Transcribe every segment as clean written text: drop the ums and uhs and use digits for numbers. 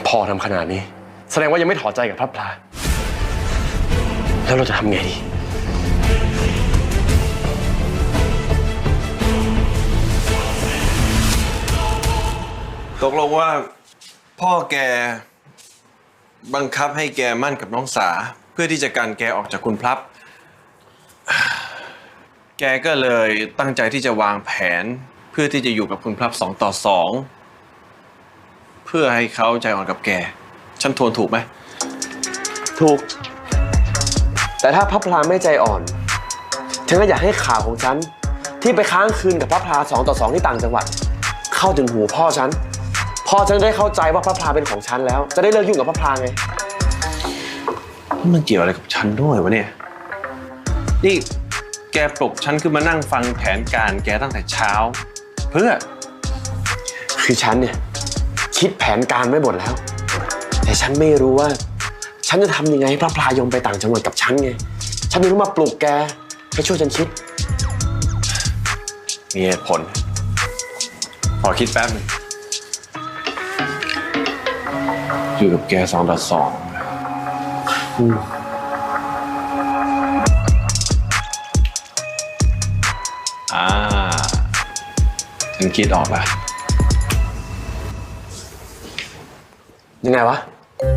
พอทำขนาดนี้แสดงว่ายังไม่ถอดใจกับพระพลาแล้วเราจะทำไงดีตกลงว่าพ่อแกบังคับให้แกมั่นกับน้องสาเพื่อที่จะกันแกออกจากคุณพลับแกก็เลยตั้งใจที่จะวางแผนเพื่อที่จะอยู่กับคุณพลับ2 ต่อ 2เพื่อให้เขาใจอ่อนกับแกฉันทวนถูกไหมถูกแต่ถ้าพระพลาไม่ใจอ่อนฉันก็อยากให้ข่าวของฉันที่ไปค้างคืนกับพระพลา2 ต่อ 2ที่ต่างจังหวัดเข้าถึงหูพ่อฉันได้เข้าใจว่าพระพลาเป็นของฉันแล้วจะได้เลิกยุ่งกับพระพลาไงมันเกี่ยวอะไรกับฉันด้วยวะเนี่ยนี่แกปลุกฉันขึ้นมานั่งฟังแผนการแกตั้งแต่เช้าเพื่อคือฉันเนี่ยคิดแผนการไว้หมดแล้วแต่ฉันไม่รู้ว่าฉันจะทำยังไงให้พระพลายอมไปต่างจังหวัดกับฉันไงฉันไม่รู้มาปลุกแกให้ช่วยฉันคิดมีเหตุผลขอคิดแป๊บนึงอยู่กับแก2 ต่อ 2ฉันคิดออกแล้วยังไงวะ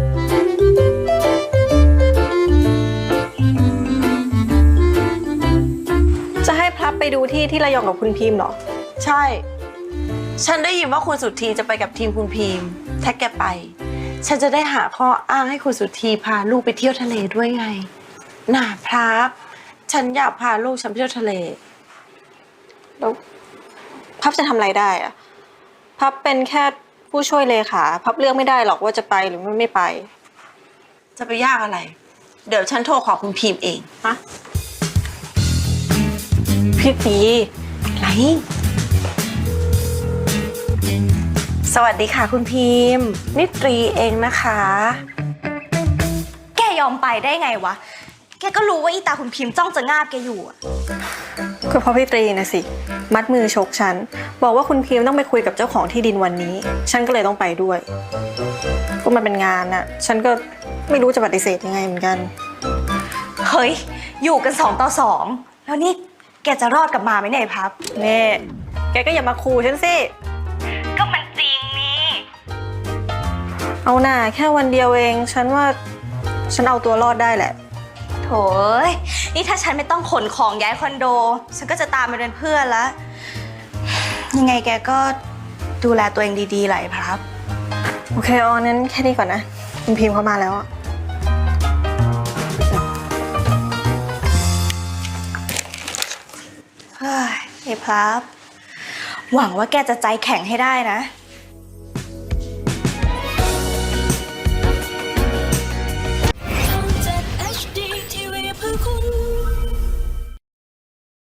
จะให้พลับไปดูที่ระยองกับคุณพิมพ์เหรอใช่ฉันได้ยินว่าคุณสุธีจะไปกับทีมคุณพิมพ์ถ้าแกไปฉันจะได้หาข้ออ้างให้คุณสุธีพาลูกไปเที่ยวทะเลด้วยไงน่าพลับฉันอยากพาลูกฉันไปเที่ยวทะเลแล้วพับจะทำอะไรได้อะพับเป็นแค่ผู้ช่วยเลขาพับเลือกไม่ได้หรอกว่าจะไปหรือไม่ไปจะไปยากอะไรเดี๋ยวฉันโทรขอคุณพิมพ์เองฮะพี่ตีอะไรสวัสดีค่ะคุณพิมพ์นิตรีเองนะคะแกยอมไปได้ไงวะแกก็รู้ว่าอีตาคุณพิมพ์จ้องจะงาบแกอยู่อะก็เพราะพี่ตรีนะสิมัดมือชกฉันบอกว่าคุณพิมพ์ต้องไปคุยกับเจ้าของที่ดินวันนี้ฉันก็เลยต้องไปด้วยก็มันเป็นงานน่ะฉันก็ไม่รู้จะปฏิเสธยังไงเหมือนกันเฮ้ยอยู่กัน2 ต่อ 2แล้วนี่แกจะรอดกลับมาไหมเนี่ยพับเน่แกก็อย่ามาขู่ฉันสิก็มันจริงนี่เอาหน่าแค่วันเดียวเองฉันว่าฉันเอาตัวรอดได้แหละโถยนี่ถ้าฉันไม่ต้องขนของย้ายคอนโดฉันก็จะตามไปเป็นเพื่อนแล้วยังไงแกก็ดูแลตัวเองดีๆหน่อยพับโอเคอ๋อนั้นแค่นี้ก่อนนะคุณพิมพ์เข้ามาแล้วอะเฮ้ยไอ้พับหวังว่าแกจะใจแข็งให้ได้นะ